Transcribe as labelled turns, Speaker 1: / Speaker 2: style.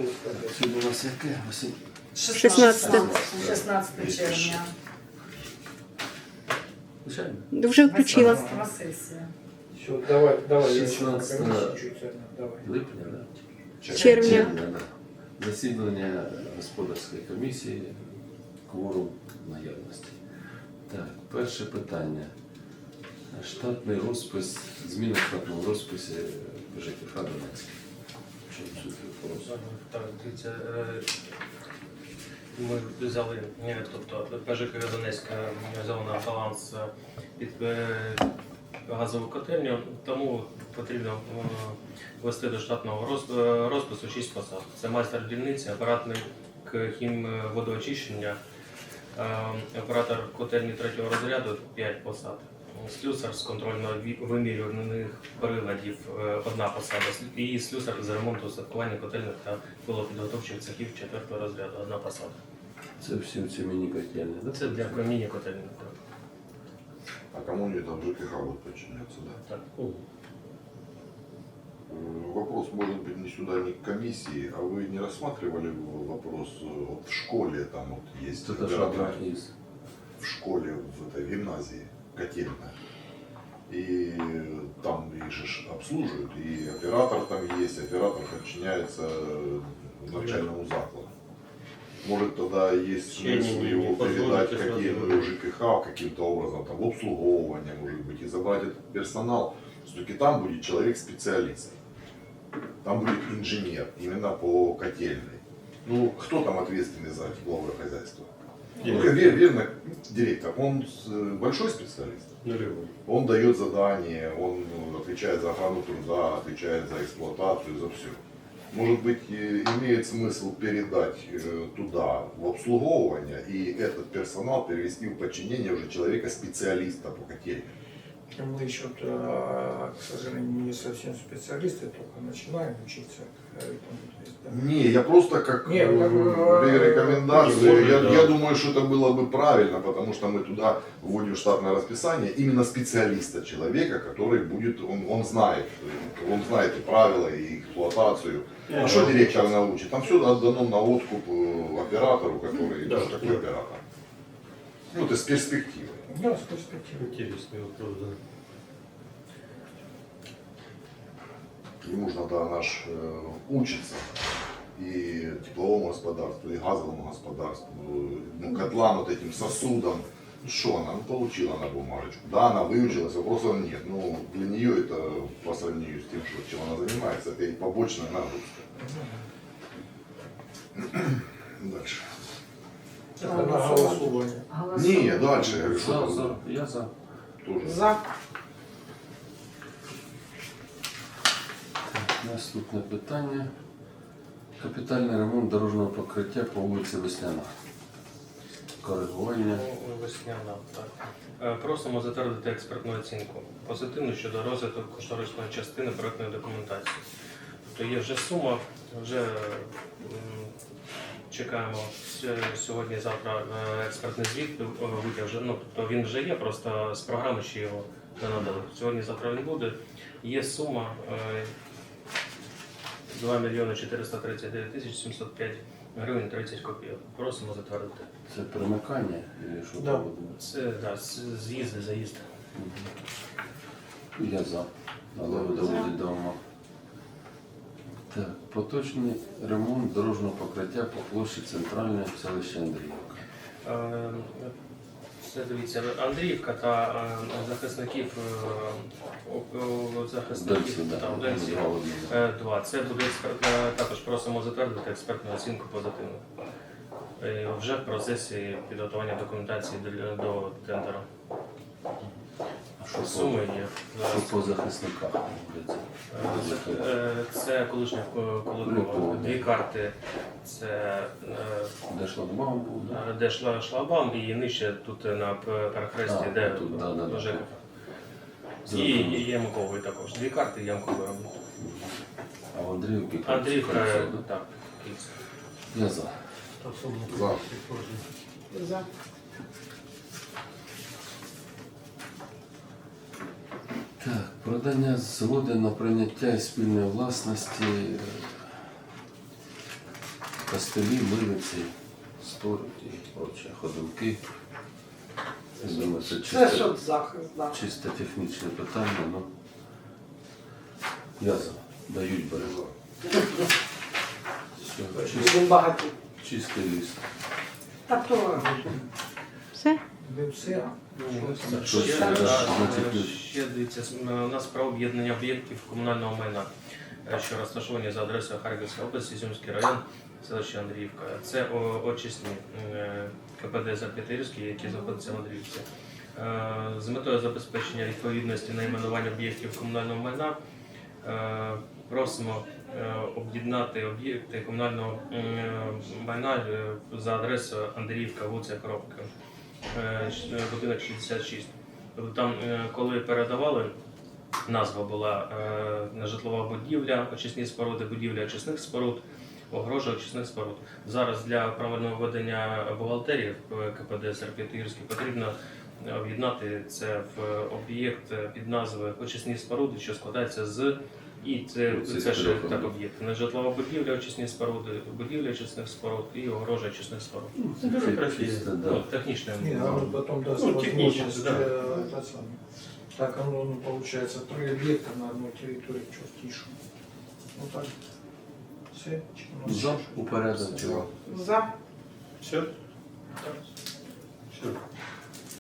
Speaker 1: Сьогодні у нас яке?
Speaker 2: 16 червня.
Speaker 1: Звичайно.
Speaker 3: Вже включила.
Speaker 2: 18 сесія.
Speaker 4: Все, давай.
Speaker 1: 16
Speaker 4: Давай.
Speaker 1: липня, да?
Speaker 3: Червня.
Speaker 1: Да. Засідання господарської комісії, кворум наявності. Так, перше питання. Штатний розпис, зміна штатного розпису ЖКХ Донецька. Чому суть вопросу?
Speaker 5: Так, дивіться, ми взяли, тобто ПЖК Донецька взяла на баланс під газову котельню, тому потрібно ввести до штатного розпису 6 посад. Це майстер дільниці, оператник хімводоочищення, оператор котельні 3-го розряду 5 посад. Слюсар з контрольно-вимірюваних приладів 1 посада і слюсар з ремонту устаткування котельних та пилопідготовчих цехів 4-го розряду 1 посада.
Speaker 1: Це всі ці міні-котельні, да?
Speaker 5: Це для міні-котельних.
Speaker 6: А кому они там ЖКХ будут подчиняться, да?
Speaker 5: Так.
Speaker 6: Вопрос может быть не сюда, не к комиссии, а вы не рассматривали вопрос вот в школе, там вот есть
Speaker 1: Это
Speaker 6: оператор
Speaker 1: что из?
Speaker 6: в школе, в этой гимназии, котельная. И там их же обслуживают, и оператор там есть, оператор подчиняется начальному закладу. Может тогда есть смысл его передать котельную ЖКХ каким-то образом, там, в обслуговывание, может быть, и забрать этот персонал. Все-таки там будет человек-специалист, там будет инженер, именно по котельной. Ну, кто там ответственный за тепловое хозяйство? Ну, верно, директор. Он большой специалист. Он дает задания, он отвечает за охрану труда, отвечает за эксплуатацию, за все. Может быть, имеет смысл передать туда в обслуговывание и этот персонал перевести в подчинение уже человека-специалиста по котельной.
Speaker 4: Мы еще, к сожалению, не совсем специалисты, только начинаем учиться.
Speaker 6: Не, я просто как
Speaker 4: Не,
Speaker 6: рекомендацию,
Speaker 5: может,
Speaker 6: я думаю, что это было бы правильно, потому что мы туда вводим штатное расписание именно специалиста, человека, который будет, он знает и правила, и эксплуатацию. А что директор научит? Там все отдано на откуп оператору, который такой оператор. Ну, это с перспективой.
Speaker 4: Да, с перспективой.
Speaker 5: Интересный вопрос, да.
Speaker 6: Ему же надо наш учиться и тепловому господарству, и газовому господарству, ну, котлам, вот этим сосудам. Ну, что она? Ну, получила она бумажечку. Да, она выучилась, вопросов нет. Ну, для нее это по сравнению с тем, чем она занимается, это и побочная нагрузка. Дальше.
Speaker 4: Это на голосование.
Speaker 6: Не, дальше. Я говорю, что
Speaker 1: За,
Speaker 6: там
Speaker 1: за. Я за.
Speaker 6: тоже.
Speaker 2: За.
Speaker 1: Наступне питання. Капітальний ремонт дорожнього покриття по вулиці Весняна. Коригування.
Speaker 5: Весняна, так. Просимо затвердити експертну оцінку. Позитивно щодо розвитку кошторисної частини проектної документації. Тобто є вже сума, вже чекаємо сьогодні-завтра експертний звіт, витяг вже, ну, тобто він вже є, просто з програми ще його не надали. Сьогодні-завтра він буде. Є сума 2 мільйони 439 тисяч 705 гривень 30 копійок. Просимо затвердити.
Speaker 1: Це примикання і що
Speaker 4: Да.
Speaker 1: там буде?
Speaker 5: Це да, з'їзди, заїзд.
Speaker 1: Я за. Але ви доводить до ума. Так, поточний ремонт дорожнього покриття по площі центральної селища Андріївка.
Speaker 5: Це, дивіться, Андріївка та захисників
Speaker 1: Дальше, да.
Speaker 5: та, Одинці,
Speaker 1: Два одного.
Speaker 5: 2. Це буде також просимо затвердити експертну оцінку позитивну. Вже в процесі підготування документації до тендера.
Speaker 1: А що
Speaker 5: Суми є.
Speaker 1: Що по захисниках робиться?
Speaker 5: Це колишня Колокова. 2 карти. Це
Speaker 1: Де шлагбаум був? Да?
Speaker 5: де шлагбаум і нижче тут на перехресті,
Speaker 1: А,
Speaker 5: де
Speaker 1: тут, да.
Speaker 5: ЖКХ. І Ямкової також. 2 карти Ямкової.
Speaker 1: А в Андріївці?
Speaker 5: Андріївка,
Speaker 1: Кольцо, да?
Speaker 5: так.
Speaker 1: Я за.
Speaker 6: За.
Speaker 2: За.
Speaker 1: Так, продання згоди на прийняття і спільної власності костелі, милиці, столик і прочі ходунки. Я думаю, це
Speaker 3: Це
Speaker 1: чисто,
Speaker 3: щоб захист, да.
Speaker 1: чисто технічне питання, ну я за. Дають берегу. Все,
Speaker 3: Будемо багаті.
Speaker 1: чистий ліс.
Speaker 3: Так то
Speaker 7: Все?
Speaker 4: Ви все,
Speaker 1: Так,
Speaker 5: Ще,
Speaker 1: що ще, значить,
Speaker 5: ще дивіться, у нас про об'єднання об'єктів комунального майна, що розташовані за адресою Харківська область, Ізюмський район, селище Андріївка. Це очисні КПД Зап'ятирівський, які знаходяться в Андріївці. З метою забезпечення відповідності найменування об'єктів комунального майна просимо об'єднати об'єкти комунального майна за адресою Андріївка, вулиця Коробка, будинок 66. Тобто там, коли передавали, назва була житлова будівля, очисні споруди, будівля очисних споруд, огорожа очисних споруд. Зараз для правильного ведення бухгалтерії в КПД Серп'ятирський потрібно об'єднати це в об'єкт під назвою очисні споруди, що складається з, і це ще так об'єкт. Житлова будівля, очисні споруди, будівля очисних споруд і огорожа очисних споруд.
Speaker 1: це бюрократично, да.
Speaker 5: Ну, технічне.
Speaker 4: не, а вот потом даст
Speaker 5: Ну,
Speaker 4: возможность
Speaker 5: технически, да.
Speaker 4: это самое. Так оно, ну, получается, 3 объекта на одной территории, что тише. Ну так. Все.
Speaker 1: За упорядочення.
Speaker 3: за.
Speaker 5: Все?
Speaker 4: Все.